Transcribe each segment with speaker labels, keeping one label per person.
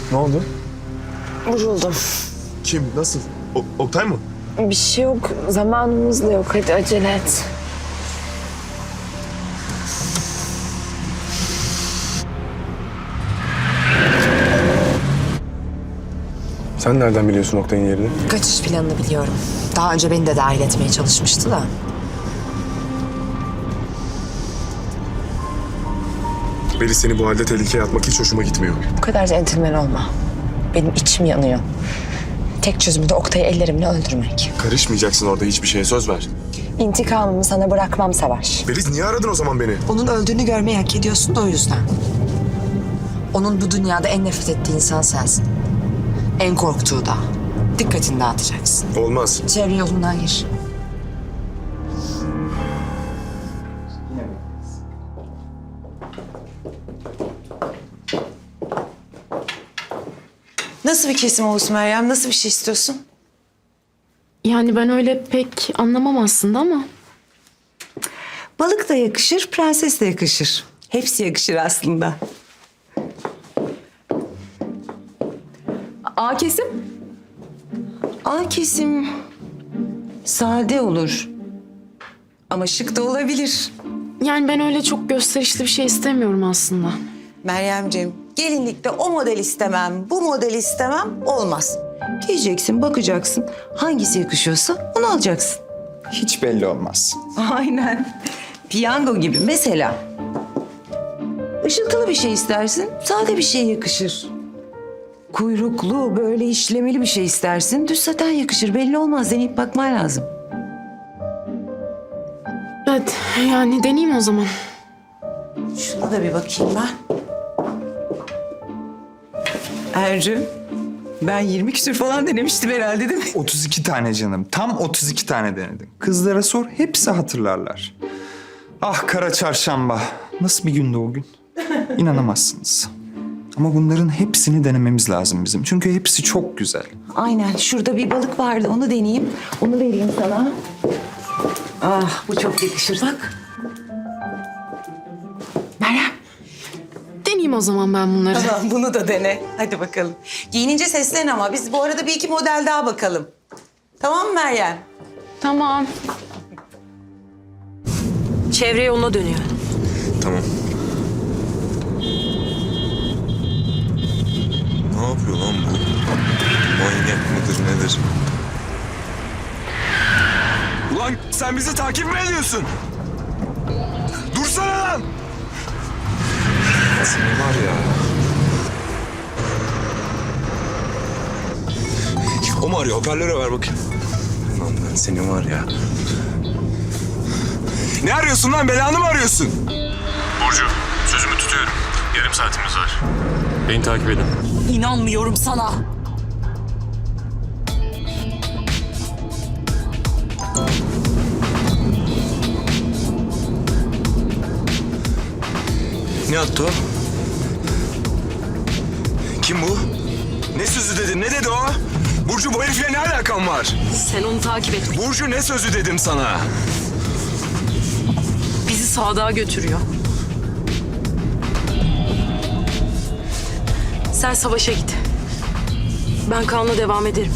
Speaker 1: Ne oldu?
Speaker 2: Vuruldum.
Speaker 1: Kim? Nasıl? Oktay mı?
Speaker 2: Bir şey yok. Zamanımız da yok. Hadi acele et.
Speaker 1: Sen nereden biliyorsun Oktay'ın yerini?
Speaker 3: Kaçış planını biliyorum. Daha önce beni de dahil etmeye çalışmıştı da.
Speaker 1: Beli seni bu halde tehlikeye atmak hiç hoşuma gitmiyor.
Speaker 3: Bu kadar centilmen olma. Benim içim yanıyor. Tek çözümü de Oktay'ı ellerimle öldürmek.
Speaker 1: Karışmayacaksın orada hiçbir şeye, söz ver.
Speaker 3: İntikamımı sana bırakmam Savaş.
Speaker 1: Beliz niye aradın o zaman beni?
Speaker 3: Onun öldüğünü görmeyi hak ediyorsun da o yüzden. Onun bu dünyada en nefret ettiği insan sensin. En korktuğu da. Dikkatini dağıtacaksın.
Speaker 1: Olmaz.
Speaker 3: Çevre yolundan gir.
Speaker 4: Nasıl bir kesim olsun Meryem? Nasıl bir şey istiyorsun?
Speaker 5: Yani ben öyle pek anlamam aslında ama
Speaker 4: Balık da yakışır, prenses de yakışır. Hepsi yakışır aslında. A kesim? A kesim sade olur. Ama şık da olabilir.
Speaker 5: yani ben öyle çok gösterişli bir şey istemiyorum aslında.
Speaker 4: Meryemciğim, gelinlikte o model istemem, bu model istemem olmaz. Giyeceksin, bakacaksın. Hangisi yakışıyorsa onu alacaksın.
Speaker 6: Hiç belli olmaz.
Speaker 4: Aynen. Piyango gibi mesela. Işıltılı bir şey istersin, sade bir şey yakışır. Kuyruklu, böyle işlemeli bir şey istersin, düz saten yakışır. Belli olmaz, deneyip bakman lazım.
Speaker 5: Evet yani deneyeyim o zaman.
Speaker 4: Şuna da bir bakayım ben. Ercü, ben 20 küsür falan denemiştim herhalde değil mi?
Speaker 6: 32 tane canım. Tam 32 tane denedim. Kızlara sor, hepsi hatırlarlar. Ah kara çarşamba. Nasıl bir gündü o gün? İnanamazsınız. Ama bunların hepsini denememiz lazım bizim. Çünkü hepsi çok güzel.
Speaker 4: Aynen, şurada bir balık vardı, onu deneyeyim. Onu vereyim sana. Ah, bu çok yakışır. Bak. Meryem.
Speaker 5: Deneyeyim o zaman ben bunları.
Speaker 4: Tamam, bunu da dene. Hadi bakalım. Giyinince seslen ama. Biz bu arada bir iki model daha bakalım. Tamam mı Meryem?
Speaker 5: Tamam.
Speaker 2: Çevre yoluna dönüyor.
Speaker 1: Tamam. Ne yapıyor lan bu? Manyak mıdır nedir? Ulan sen bizi takip mi ediyorsun? Dursana lan! Seni var ya. O mu arıyor? Hoparlöre ver bakayım. Lan ben seni var ya. Ne arıyorsun lan? Belanı mı arıyorsun?
Speaker 7: Burcu, sözümü tutuyorum. Yarım saatimiz var. Beni takip edin.
Speaker 2: İnanmıyorum sana.
Speaker 1: Ne attı o? Kim bu? Ne sözü dedin? Ne dedi o? Burcu bu herifle ne alakan var?
Speaker 2: Sen onu takip et.
Speaker 1: Burcu ne sözü dedim sana?
Speaker 2: Bizi Sadık'a götürüyor. Sen savaşa git. Ben Kaan'la devam ederim.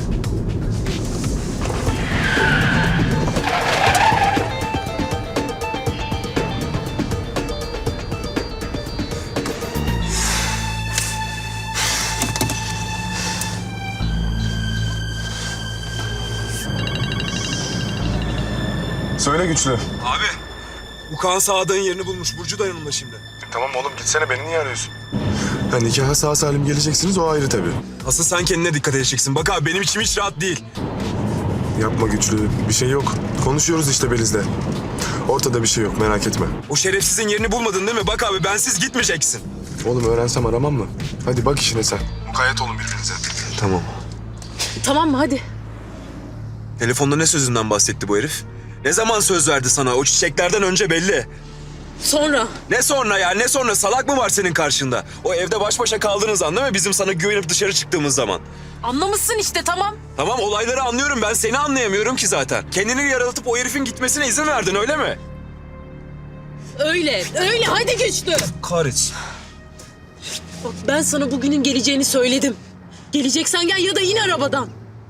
Speaker 1: Söyle güçlü.
Speaker 8: Abi, bu Kaan Sadık'ın yerini bulmuş. Burcu da yanımda şimdi.
Speaker 1: Tamam oğlum gitsene, beni niye arıyorsun? Ha, nikaha sağ salim geleceksiniz, o ayrı tabii.
Speaker 8: Asıl sen kendine dikkat edeceksin. Bak abi benim içim hiç rahat değil.
Speaker 1: Yapma güçlü, bir şey yok. Konuşuyoruz işte Beliz'le. Ortada bir şey yok, merak etme.
Speaker 8: O şerefsizin yerini bulmadın değil mi? Bak abi bensiz gitmeyeceksin.
Speaker 1: Oğlum öğrensem aramam mı? Hadi bak işine sen. Mukayyet olun birbirinize. Tamam.
Speaker 5: Tamam mı hadi.
Speaker 8: Telefonda ne sözünden bahsetti bu herif? Ne zaman söz verdi sana? O çiçeklerden önce belli.
Speaker 5: Sonra.
Speaker 8: Ne sonra ya? Ne sonra? Salak mı var senin karşında? O evde baş başa kaldığınız an değil mi? Bizim sana güvenip dışarı çıktığımız zaman.
Speaker 5: Anlamışsın işte tamam.
Speaker 8: Tamam olayları anlıyorum. Ben seni anlayamıyorum ki zaten. Kendini yaralatıp o herifin gitmesine izin verdin öyle mi?
Speaker 5: Öyle hadi güçlü.
Speaker 8: Kahretsin.
Speaker 2: Bak ben sana bugünün geleceğini söyledim. Geleceksen gel ya da in arabadan.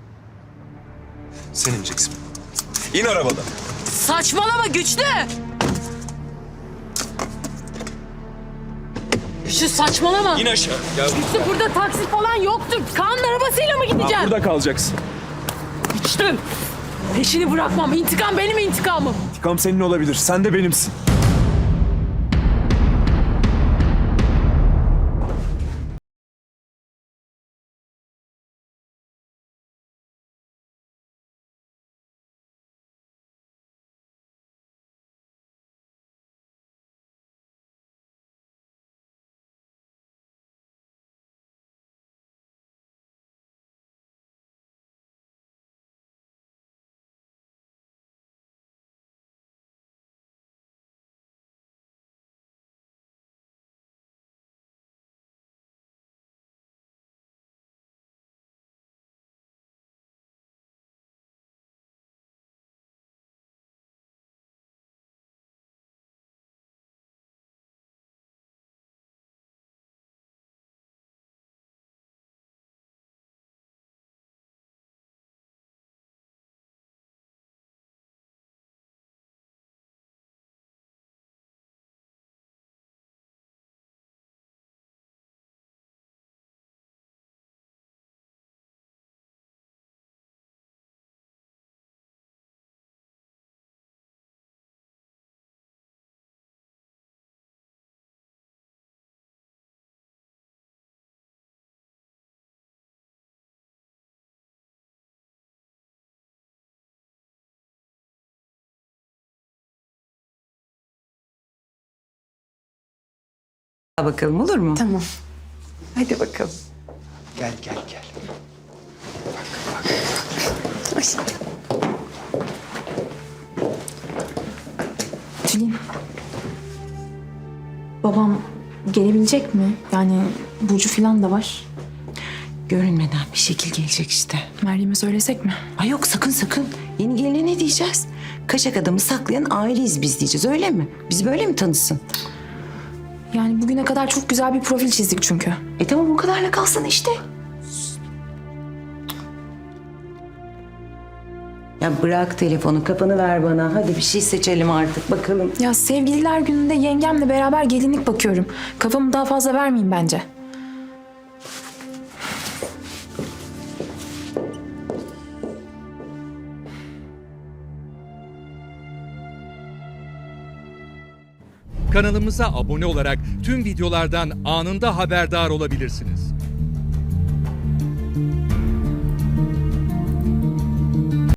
Speaker 8: Sen ineceksin. İn arabadan.
Speaker 2: Saçmalama Güçlü. Güçlü saçmalama.
Speaker 8: İn aşağı. Gel.
Speaker 2: Güçlü burada taksi falan yoktur. Kaan'ın arabasıyla mı gideceğim?
Speaker 8: Burada kalacaksın.
Speaker 2: Güçlü. Peşini bırakmam. İntikam benim intikamım.
Speaker 8: İntikam senin olabilir. Sen de benimsin.
Speaker 4: Bakalım olur mu?
Speaker 3: Tamam.
Speaker 4: Hadi bakalım.
Speaker 6: Gel gel gel.
Speaker 5: Tülin. Babam gelebilecek mi? Yani Burcu falan da var.
Speaker 4: Görünmeden bir şekil gelecek işte.
Speaker 5: Meryem'e söylesek mi?
Speaker 4: Ay yok sakın sakın. Yeni geline ne diyeceğiz? Kaçak adamı saklayan aileyiz biz diyeceğiz öyle mi? Bizi böyle mi tanısın?
Speaker 5: Yani bugüne kadar çok güzel bir profil çizdik çünkü.
Speaker 4: Tamam o kadarla kalsın işte. Ya bırak telefonu kafanı ver bana. Hadi bir şey seçelim artık bakalım.
Speaker 5: Ya sevgililer gününde yengemle beraber gelinlik bakıyorum. Kafamı daha fazla vermeyeyim bence.
Speaker 9: Kanalımıza abone olarak tüm videolardan anında haberdar olabilirsiniz.